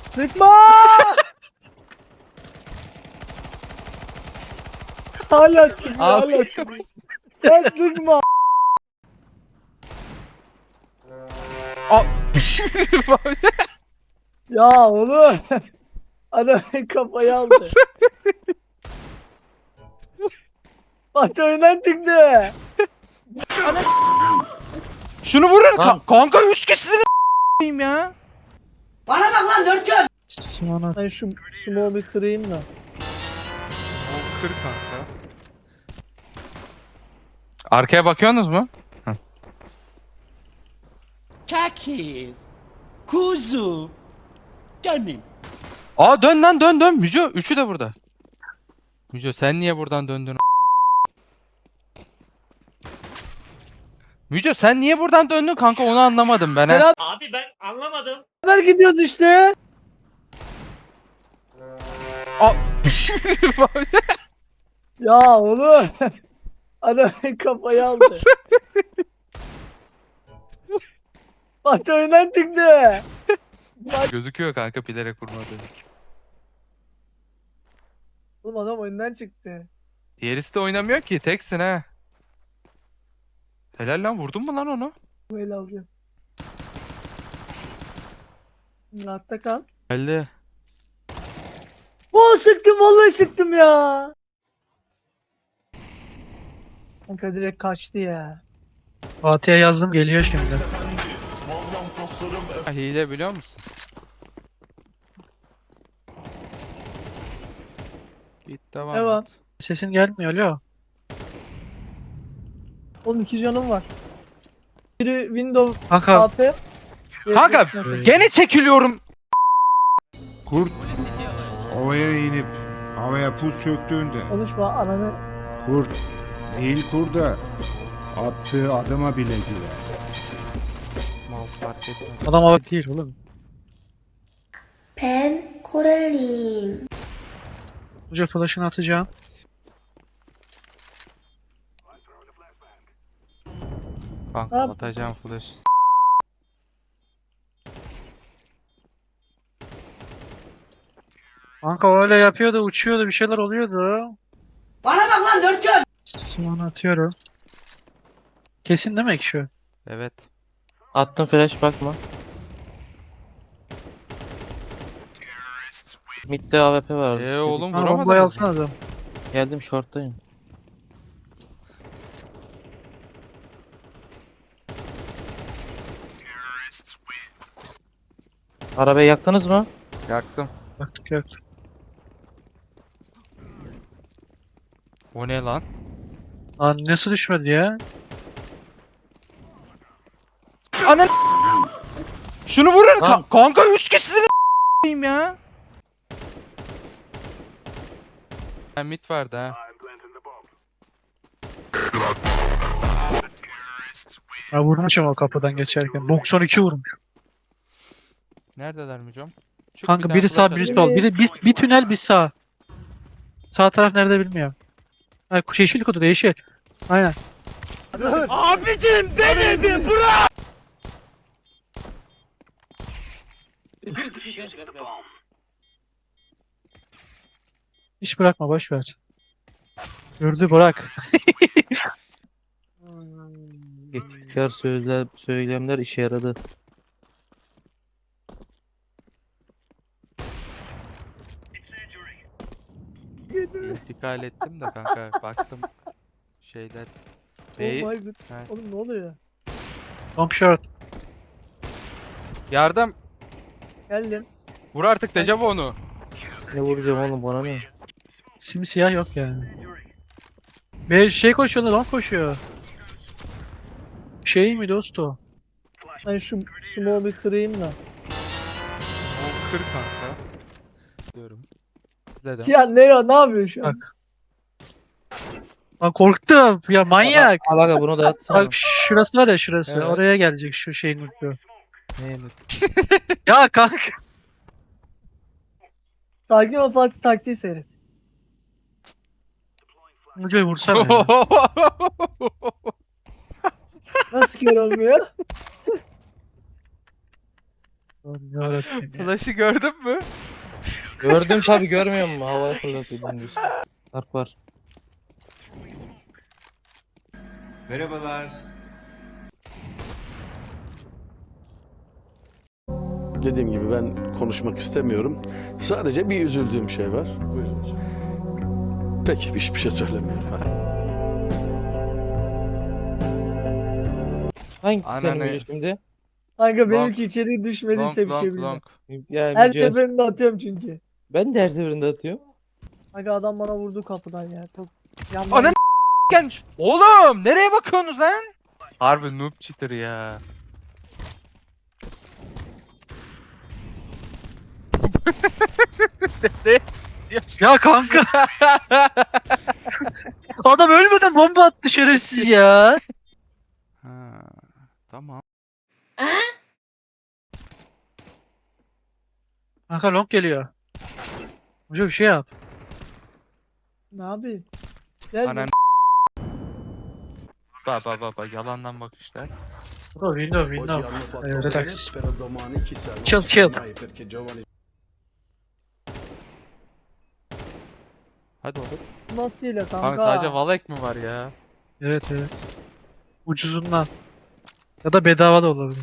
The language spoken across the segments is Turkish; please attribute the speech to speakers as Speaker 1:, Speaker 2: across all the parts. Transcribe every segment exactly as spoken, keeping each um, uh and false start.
Speaker 1: Sıkma! Hala sıkma,
Speaker 2: Abi.
Speaker 1: hala sıkma. Sen sıkma. Ya oğlum. Adam kafayı aldı. Fatih oyundan çıktı.
Speaker 2: Şunu vurun
Speaker 3: Lan.
Speaker 2: ka- kanka üç kişisini ya.
Speaker 4: Bana bak lan dört göz.
Speaker 1: Sonra ben şu sumo bir kırayım da.
Speaker 2: O kır kanka. Arkaya bakıyorsunuz mu?
Speaker 3: Kakir. Kuzu. Canım.
Speaker 2: Aa dön lan dön dön. Müco üçü de burada. Müco sen niye buradan döndün? Müco sen niye buradan döndün kanka onu anlamadım ben ha.
Speaker 1: Beraber
Speaker 3: Abi ben anlamadım.
Speaker 1: gidiyoruz işte.
Speaker 2: Aa.
Speaker 1: Ya oğlum. Adam kafayı aldı. Fatih oyundan çıktı.
Speaker 2: Gözüküyor kanka bilerek vurmadı.
Speaker 1: Oğlum adam oyundan çıktı.
Speaker 2: Diğerisi de oynamıyor ki teksin ha. Helal lan vurdun mu lan onu?
Speaker 1: Bu el alacağım. Rahatta kal.
Speaker 2: Geldi.
Speaker 1: Oo sıktım vallahi sıktım ya. Kanka direkt kaçtı ya.
Speaker 5: Fatih'e yazdım geliyor şimdi.
Speaker 2: Ha, hile biliyor musun? Git devam
Speaker 1: Devam.
Speaker 2: et.
Speaker 5: Sesin gelmiyor alo.
Speaker 1: Oğlum iki canım var. Biri Windows
Speaker 5: Kanka
Speaker 1: A P. diğeri
Speaker 2: Kanka
Speaker 1: Windows.
Speaker 2: gene çekiliyorum.
Speaker 6: Kurt ovaya inip havaya puz çöktüğünde
Speaker 1: Konuşma ananı.
Speaker 6: kurt değil kurda attığı adıma bile güler.
Speaker 2: Mal fark ettim.
Speaker 5: adam hava değil oğlum.
Speaker 4: pen 코렐님
Speaker 5: Hoca flash'ını atacağım.
Speaker 2: Kanka
Speaker 1: Abi.
Speaker 2: atacağım flash.
Speaker 5: Kanka öyle yapıyordu uçuyordu bir şeyler oluyordu.
Speaker 4: Bana bak lan dört göz.
Speaker 5: Sonra atıyorum. Kesin demek şu.
Speaker 2: Evet.
Speaker 3: Attım flash bakma. Mid'de A W P var.
Speaker 2: Eee oğlum
Speaker 5: Ha, bombayı
Speaker 2: vuramadınız
Speaker 5: alsana
Speaker 2: mı?
Speaker 5: adam.
Speaker 3: Geldim short'tayım. Arabayı yaktınız mı?
Speaker 2: Yaktım.
Speaker 5: Baktık yok.
Speaker 2: O ne lan?
Speaker 5: Lan nasıl düşmedi ya?
Speaker 2: Anan. Şunu vurun
Speaker 3: Lan.
Speaker 2: ka- kanka üç kişisini ya. Ha, mid vardı ha.
Speaker 5: Ha vurmuşum o kapıdan geçerken. doksan iki vurmuş.
Speaker 2: Neredeler Mücom? Çık
Speaker 5: Kanka
Speaker 2: bir
Speaker 5: biri
Speaker 2: daha
Speaker 5: sağ
Speaker 2: flash
Speaker 5: biri
Speaker 2: at.
Speaker 5: sol. Biri bir, bir tünel bir sağ. Sağ taraf nerede bilmiyorum. Ha kuş yeşil kutu yeşil. Aynen.
Speaker 2: Abicim beni bir bırak.
Speaker 5: Hiç bırakma boş ver. Gördü bırak.
Speaker 3: İhtikar söyle söylemler işe yaradı.
Speaker 2: İntikal ettim de kanka baktım şeyler.
Speaker 1: Oh
Speaker 2: Bey,
Speaker 1: my god.
Speaker 2: ha.
Speaker 1: Oğlum ne oluyor?
Speaker 5: Long short.
Speaker 2: Yardım.
Speaker 1: Geldim.
Speaker 2: Vur artık dejavu onu.
Speaker 3: Ne vuracağım oğlum bana ne?
Speaker 5: Simsiyah yok yani. Be şey koşuyor lan long koşuyor. Şey mi dost o?
Speaker 1: Ben şu sumo bir kırayım da.
Speaker 2: O kır kanka. Diyorum. İzledim.
Speaker 1: Ya ne ne yapıyor şu an?
Speaker 5: Bak. Lan korktum. Ya manyak.
Speaker 3: Al aga bunu da atsana.
Speaker 5: Bak şurası var ya şurası.
Speaker 2: Evet.
Speaker 5: Oraya gelecek şu şeyin ucu.
Speaker 2: Ne
Speaker 5: Ya kanka.
Speaker 1: Sakin ol Fatih taktiği seyret.
Speaker 5: Ucuyu vursana ya.
Speaker 1: Nasıl kör olmuyor?
Speaker 5: Yarabbim ya.
Speaker 2: Flash'ı gördün mü?
Speaker 3: Gördüm tabi, görmüyor musun? Havaya fırlatıyor dümdüz. Dark var.
Speaker 7: Dediğim gibi ben konuşmak istemiyorum. Sadece bir üzüldüğüm şey var. Buyurun hocam. Peki hiçbir şey söylemiyorum.
Speaker 3: Hangisi senin
Speaker 2: Anneanne.
Speaker 3: Müce şimdi?
Speaker 1: Kanka benimki içeri düşmedi
Speaker 2: Long
Speaker 1: sevke
Speaker 2: long
Speaker 1: bile.
Speaker 2: long.
Speaker 3: Ya
Speaker 1: Her
Speaker 3: Müce,
Speaker 1: seferinde atıyorum çünkü.
Speaker 3: ben de her seferinde atıyorum.
Speaker 1: Kanka adam bana vurdu kapıdan ya. Çok yandan
Speaker 2: Ananı gelmiş. Oğlum nereye bakıyorsunuz lan? Harbi noob cheater ya. Nereye?
Speaker 5: Ya kanka. Adam ölmeden bomba attı şerefsiz ya.
Speaker 2: Ha, tamam.
Speaker 5: Kanka long geliyor. Hoca bir şey yap.
Speaker 1: Ne yapayım? Gel.
Speaker 2: Anan. Bak bak bak bak yalandan bakışlar.
Speaker 5: Bro window window. Eh, relax. Chill chill.
Speaker 2: Hadi oğlum.
Speaker 1: Nasıl ile kanka?
Speaker 2: Kanka sadece Valek mi var ya?
Speaker 5: Evet evet. Ucuzundan. Ya da bedava da olabilir.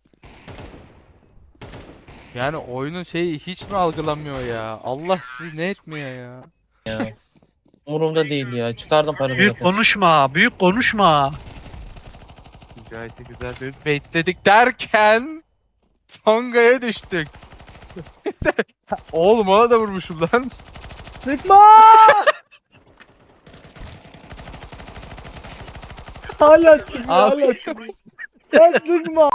Speaker 2: Yani oyunun şeyi hiç mi algılamıyor ya? Allah sizi ne etmiyor ya?
Speaker 3: Umurumda değil ya. Çıkardım paramı.
Speaker 5: Büyük konuşma, büyük konuşma.
Speaker 2: Gayet güzel bir baitledik derken Tonga'ya düştük. Oğlum ona da vurmuşum lan.
Speaker 1: Sıkma! Hala sıkma,
Speaker 2: Al.
Speaker 1: hala sıkma. Ya sıkma.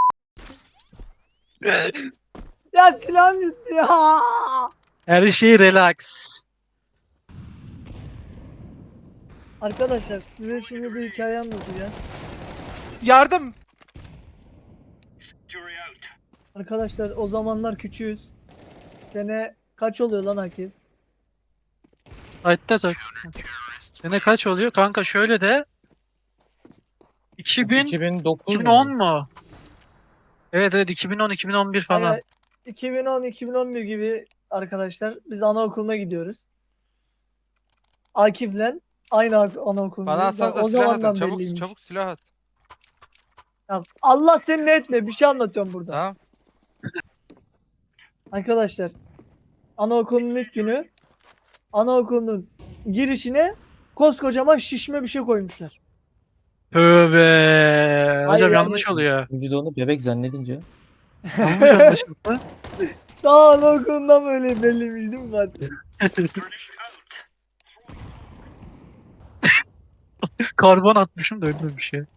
Speaker 1: Ya silahım gitti ya.
Speaker 5: Her şey relax.
Speaker 1: Arkadaşlar size şimdi bir hikaye anlatacağım.
Speaker 2: Yardım.
Speaker 1: Arkadaşlar o zamanlar küçüğüz. Sene kaç oluyor lan Akif?
Speaker 5: Hatta tak. Sene kaç oluyor? Kanka şöyle de iki bin
Speaker 3: iki bin dokuz
Speaker 5: iki bin on mu? Evet evet iki bin on iki bin on bir falan.
Speaker 1: Yani iki bin on iki bin on bir gibi arkadaşlar biz anaokuluna gidiyoruz. Akif'le aynı ak- anaokuluna.
Speaker 2: Bana atsanıza
Speaker 1: o
Speaker 2: silah
Speaker 1: zamandan
Speaker 2: atın. Çabuk
Speaker 1: belliymiş.
Speaker 2: çabuk silah at.
Speaker 1: Ya Allah seni ne etme, bir şey anlatıyorum burada.
Speaker 2: Tamam.
Speaker 1: Arkadaşlar anaokulunun ilk günü anaokulunun girişine koskocaman şişme bir şey koymuşlar.
Speaker 5: Tövbe. Hocam
Speaker 1: yani-
Speaker 5: yanlış oluyor.
Speaker 3: Müce de onu bebek zannedince.
Speaker 5: Yanlış anlaşıldı.
Speaker 1: Daha anaokulundan böyle belliymiş değil mi zaten?
Speaker 5: Karbon atmışım da öyle bir şey.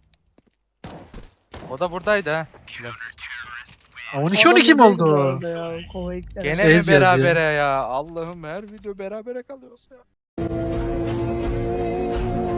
Speaker 2: O da buradaydı ha.
Speaker 5: on iki on iki mi
Speaker 1: Adam neydi bu
Speaker 5: oldu?
Speaker 1: arada ya? Kova ekler.
Speaker 2: Gene
Speaker 5: Şey
Speaker 2: mi
Speaker 5: yazıyor.
Speaker 2: berabere ya? Allah'ım her video berabere kalıyoruz ya.